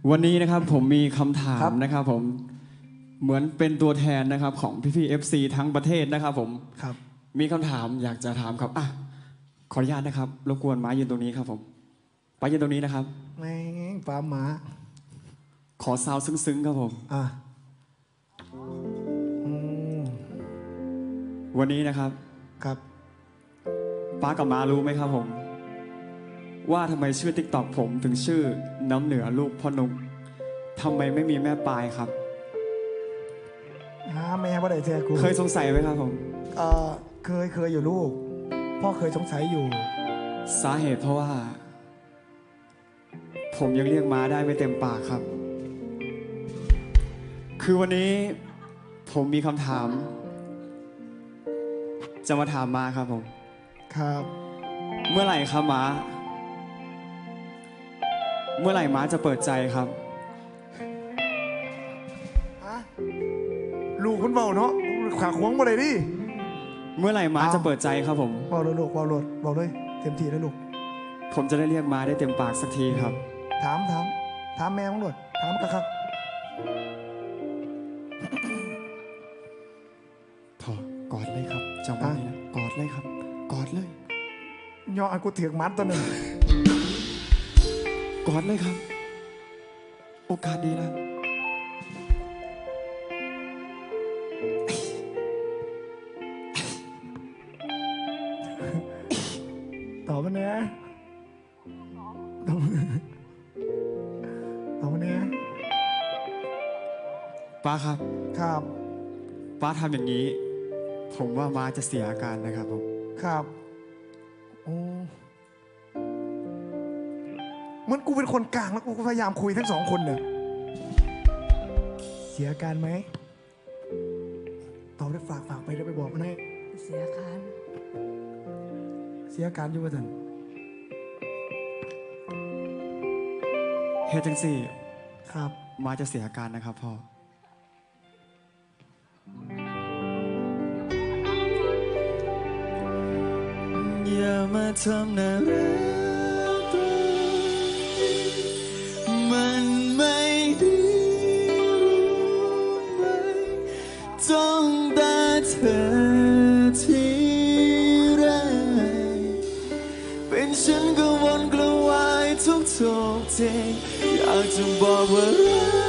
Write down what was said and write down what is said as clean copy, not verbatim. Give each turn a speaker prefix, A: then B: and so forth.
A: วันนี้นะครับผมมีคำถามนะครับผมเหมือนเป็นตัวแทนนะครับของพี่ๆ FC ทั้งประเทศนะครับผม
B: ครับ
A: มีคำถามอยากจะถามครับขออนุญาตนะครับรบกวนม้ายืนตรงนี้ครับผมป้ายืนตรงนี้นะครับ
B: แม่งฟ้าหมา
A: ขอซาวซึ้งๆครับผมวันนี้นะครับ
B: ครับ
A: ป้ากับม้ารู้ไหมครับผมว่าทำไมชื่อ TikTok ผมถึงชื่อน้ำเหนือลูกพ่อนุกทำไมไม่มีแม่ปลายครับ
B: แม่บ่ได้เจอกู
A: เคยสงสัยไหมครับผม
B: เคยอยู่ลูกพ่อเคยสงสัยอยู่
A: สาเหตุเพราะว่าผมยังเรียกม้าได้ไม่เต็มปากครับคือวันนี้ผมมีคำถามจะมาถามม้าครับผม
B: ครับ
A: เมื่อไหร่ครับม้าเมื่อไหร่ม้าจะเปิดใจครับ
B: ลูกคุณเบาเนาะขาขวงมาเลยดิ
A: เมื่อไหร่ม้าจะเปิดใจครับผม
B: เบาเลยลูกเบาเลยเต็มที่แล้วลูก
A: ผมจะได้เรียกม้าได้เต็มปากสักทีครับ
B: ถามแม่มั้งหนวดถามกะครับ
A: พอกอดเลยครับจังหวะนี้นะกอดเลยครับกอดเลย
B: ย่ออันกูเถียงมัดตัวหนึ่ง
A: กอดเลยครับโอกาสดีแล้ว
B: ตอบมาเนี่ยตอบมาเนี่ย
A: ป้าครับ
B: ครับ
A: ป้าทำอย่างนี้ผมว่าม้าจะเสียอาการนะครับผม
B: ครับโอ้เหมือนกูเป็นคนกลางแล้วกูพยายามคุยทั้งสองคนเนี่ยเสียอาการไหมตอบได้ฝากไปได้ไปบอกมันให้
C: เสียอาการ
B: อยู่ว่าท่าน
A: เฮ็ดจังสี่
B: ครับ
A: ม้าจะเสียอาการนะครับพ่ออย่ามาทำน่ารักมันไม่ดีรู้ไหมจ้องตาเธอทีไรเป็นฉันก็วนกระวายทุกทีอยากจะบอกว่ารั